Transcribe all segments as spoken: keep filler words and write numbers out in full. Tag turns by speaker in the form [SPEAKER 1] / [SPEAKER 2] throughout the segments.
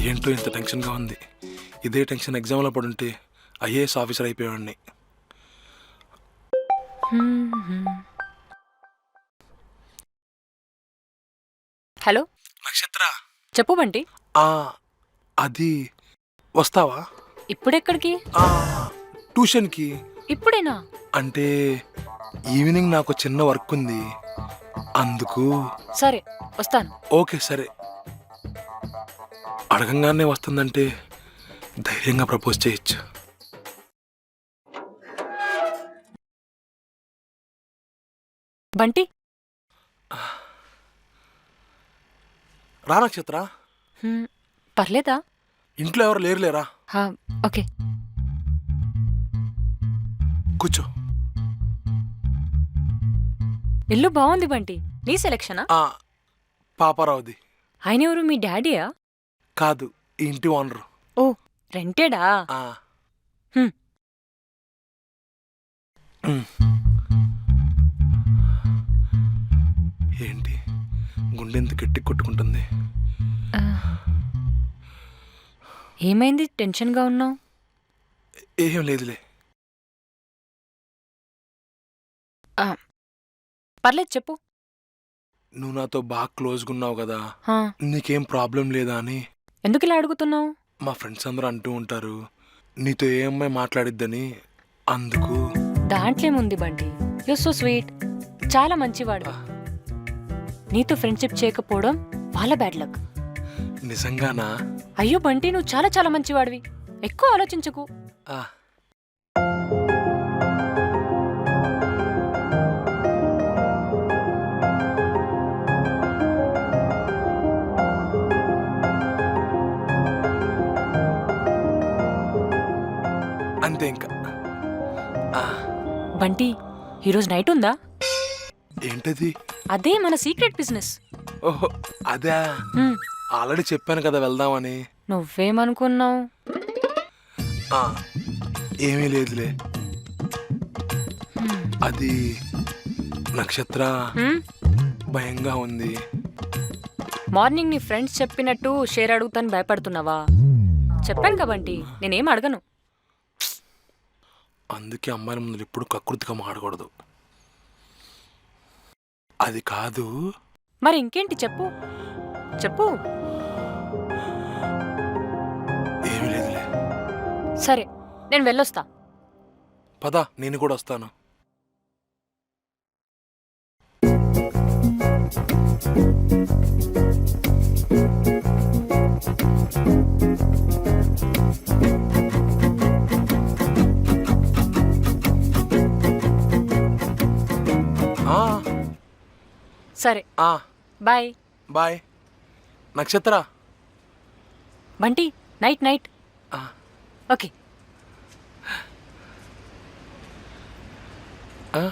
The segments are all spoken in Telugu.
[SPEAKER 1] ఏంటో ఇంత టెన్షన్గా ఉంది. ఇదే టెన్షన్ ఎగ్జామ్లో పడుంటే ఐఏఎస్ ఆఫీసర్ అయిపోయాడిని.
[SPEAKER 2] హలో
[SPEAKER 1] నక్షత్ర,
[SPEAKER 2] చెప్పు బంటి.
[SPEAKER 1] ఆ, అది వస్తావా?
[SPEAKER 2] ఇప్పుడెక్కడికి?
[SPEAKER 1] ఆ, ట్యూషన్కి.
[SPEAKER 2] ఇప్పుడేనా?
[SPEAKER 1] అంటే ఈవినింగ్ నాకు చిన్న వర్క్ ఉంది, అందుకు.
[SPEAKER 2] సరే వస్తాను.
[SPEAKER 1] ఓకే సరే. అడగంగానే వస్తుందంటే ధైర్యంగా ప్రపోజ్ చేయొచ్చు.
[SPEAKER 2] బంటి
[SPEAKER 1] రా నక్షత్ర.
[SPEAKER 2] హ్మ్, పర్లేదా?
[SPEAKER 1] ఇంట్లో ఎవరు లేరు లేరా?
[SPEAKER 2] హా, ఓకే.
[SPEAKER 1] కూర్చో.
[SPEAKER 2] ఇల్లు బాగుంది బంటి. నీ సెలక్షనా?
[SPEAKER 1] ఆ, పాపారావుది.
[SPEAKER 2] ఆయన ఎవరు? మీ డాడీయా?
[SPEAKER 1] కాదు, ఈ ఇంటి ఓనరు.
[SPEAKER 2] ఓ, రెంటెడా?
[SPEAKER 1] ఆ.
[SPEAKER 2] హ్మ్.
[SPEAKER 1] ఉమ్. ఏంటి గుండెంత గట్టి కొట్టుకుంటుంది?
[SPEAKER 2] ఆ, ఏమైంది టెన్షన్గా ఉన్నావు?
[SPEAKER 1] ఏం లేదులే.
[SPEAKER 2] పర్లేదు చెప్పు.
[SPEAKER 1] నువ్వు నాతో బాగా క్లోజ్గా ఉన్నావు కదా,
[SPEAKER 2] హా,
[SPEAKER 1] నీకేం ప్రాబ్లం లేదా అని.
[SPEAKER 2] ఎందుకు ఇలా అడుగుతున్నావు?
[SPEAKER 1] మా ఫ్రెండ్స్ అందరూ అంటూ ఉంటారు నీతో ఏ అమ్మాయి మాట్లాడిద్దని, అందుకు.
[SPEAKER 2] దాంట్లో ఏముంది బంటి? యు సో స్వీట్, చాలా మంచివాడు. నీతో ఫ్రెండ్షిప్ చేయకపోవడం వాళ్ళ బ్యాడ్ లక్.
[SPEAKER 1] నిజంగానా?
[SPEAKER 2] అయ్యో బంటి, నువ్వు చాలా చాలా మంచివాడివి. ఎక్కువ ఆలోచించకు.
[SPEAKER 1] ఆ. అంతే ఇంకా. ఆ.
[SPEAKER 2] బంటి, ఈరోజు నైట్ ఉందా?
[SPEAKER 1] ఏంటది?
[SPEAKER 2] అదే మన సీక్రెట్ బిజినెస్.
[SPEAKER 1] ఓహో, అదే.
[SPEAKER 2] హ్మ్,
[SPEAKER 1] ఆల్రెడీ చెప్పాను కదా వెళ్దామని.
[SPEAKER 2] నువ్వేమనుకున్నావు?
[SPEAKER 1] ఆ, ఏమీ లేదులే.
[SPEAKER 2] హ్మ్,
[SPEAKER 1] అది నక్షత్ర,
[SPEAKER 2] హ్మ్?
[SPEAKER 1] భయంగా ఉంది.
[SPEAKER 2] మార్నింగ్ నీ ఫ్రెండ్స్ చెప్పినట్టు షేర్ అడుగుతాను భయపడుతున్నావా? చెప్పాను కదా బంటి, నేనేం అడగను.
[SPEAKER 1] అందుకే అమ్మాయిల ముందు ఎప్పుడు కకృతిగా మాడకూడదు. అది కాదు.
[SPEAKER 2] మరి ఇంకేంటి చెప్పు చెప్పు.
[SPEAKER 1] ఏమీ లేదులే.
[SPEAKER 2] సరే, నేను వెళ్ళొస్తా.
[SPEAKER 1] పద, నేను కూడా వస్తాను. ఆ,
[SPEAKER 2] సరే,
[SPEAKER 1] ఆ,
[SPEAKER 2] bye.
[SPEAKER 1] Bye Nakshatra.
[SPEAKER 2] Bunty, night night.
[SPEAKER 1] ఆ,
[SPEAKER 2] ఓకే.
[SPEAKER 1] ఆ,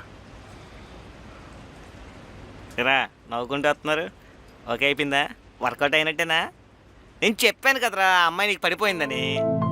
[SPEAKER 3] రా నవ్వుకుంటూ వస్తున్నారు. ఓకే అయిపోయిందా? వర్కౌట్ అయినట్టేనా? నేను చెప్పాను కదరా ఆ అమ్మాయి నీకు పడిపోయిందని.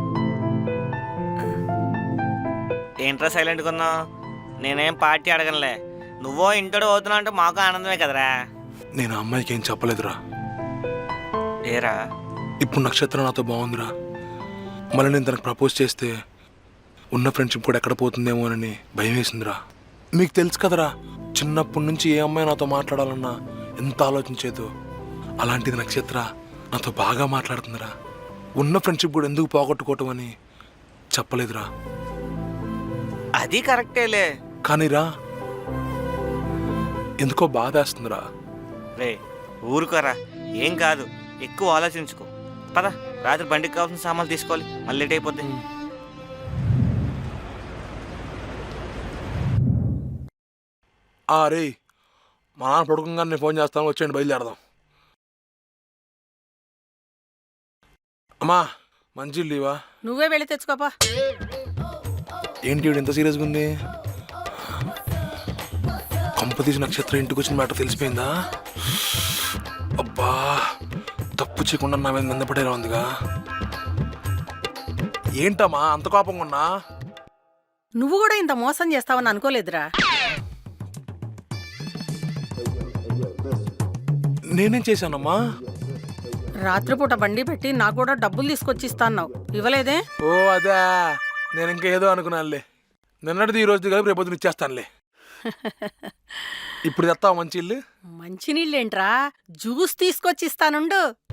[SPEAKER 3] ఏంట్రా సైలెంట్గా ఉన్నావు? నేనేం పార్టీ అడగనులే. నువ్వో ఇంటోడు అవుతున్నావు అంటే మాకు ఆనందమే కదరా.
[SPEAKER 1] నేను ఆ అమ్మాయికి ఏం చెప్పలేదురా.
[SPEAKER 3] ఏరా?
[SPEAKER 1] ఇప్పుడు నక్షత్రం నాతో బాగుందిరా. మళ్ళీ నేను తనకు ప్రపోజ్ చేస్తే ఉన్న ఫ్రెండ్షిప్ కూడా ఎక్కడ పోతుందేమోనని భయం వేసిందిరా. మీకు తెలుసు కదరా, చిన్నప్పటి నుంచి ఏ అమ్మాయి నాతో మాట్లాడాలన్నా ఎంత ఆలోచించేదో, అలాంటిది నక్షత్ర నాతో బాగా మాట్లాడుతుందిరా. ఉన్న ఫ్రెండ్షిప్ కూడా ఎందుకు పోగొట్టుకోవటం అని చెప్పలేదురా.
[SPEAKER 3] అది కరెక్టేలే.
[SPEAKER 1] కానీరా, ఎందుకో బాధేస్తుందిరా.
[SPEAKER 3] రే ఊరుకోరా, ఏం కాదు, ఎక్కువ ఆలోచించుకో. పద, రాత్రి బండికి కావాల్సిన సామాన్లు తీసుకోవాలి, మళ్ళీ లేట్ అయిపోద్ది.
[SPEAKER 1] ఆ రే, మా నాన్న పడుకోగానే నేను ఫోన్ చేస్తాను, వచ్చేయండి బయలుదేరదాం. అమ్మా, మంచి లీవా?
[SPEAKER 4] నువ్వే వెళ్ళి తెచ్చుకోపా.
[SPEAKER 1] ఏంటి ఈవిడ ఎంత సీరియస్గా ఉంది? కంపతీసి నక్షత్రం ఇంటికి వచ్చిన మ్యాటర్ తెలిసిపోయిందా? అబ్బా, తప్పు చేయకుండా నా మీద నిందపడేలా ఉందిగా. ఏంటమ్మా అంత కోపంగా ఉన్నా?
[SPEAKER 4] నువ్వు కూడా ఇంత మోసం చేస్తావని అనుకోలేదురా.
[SPEAKER 1] నేనేం చేశానమ్మా?
[SPEAKER 4] రాత్రిపూట బండి పెట్టి నాకు కూడా డబ్బులు తీసుకొచ్చి ఇస్తాన్నావు ఇవ్వలేదే?
[SPEAKER 1] ఓ అదా, నేను ఇంకా ఏదో అనుకున్నానులే. నిన్నటిది ఈ రోజు కలిపి రేపొద్దున ఇచ్చేస్తానులే. ఇప్పుడు తెస్తావా మంచి ఇల్లు?
[SPEAKER 4] మంచినీళ్ళేంట్రా, జ్యూస్ తీసుకొచ్చి ఇస్తానుండు.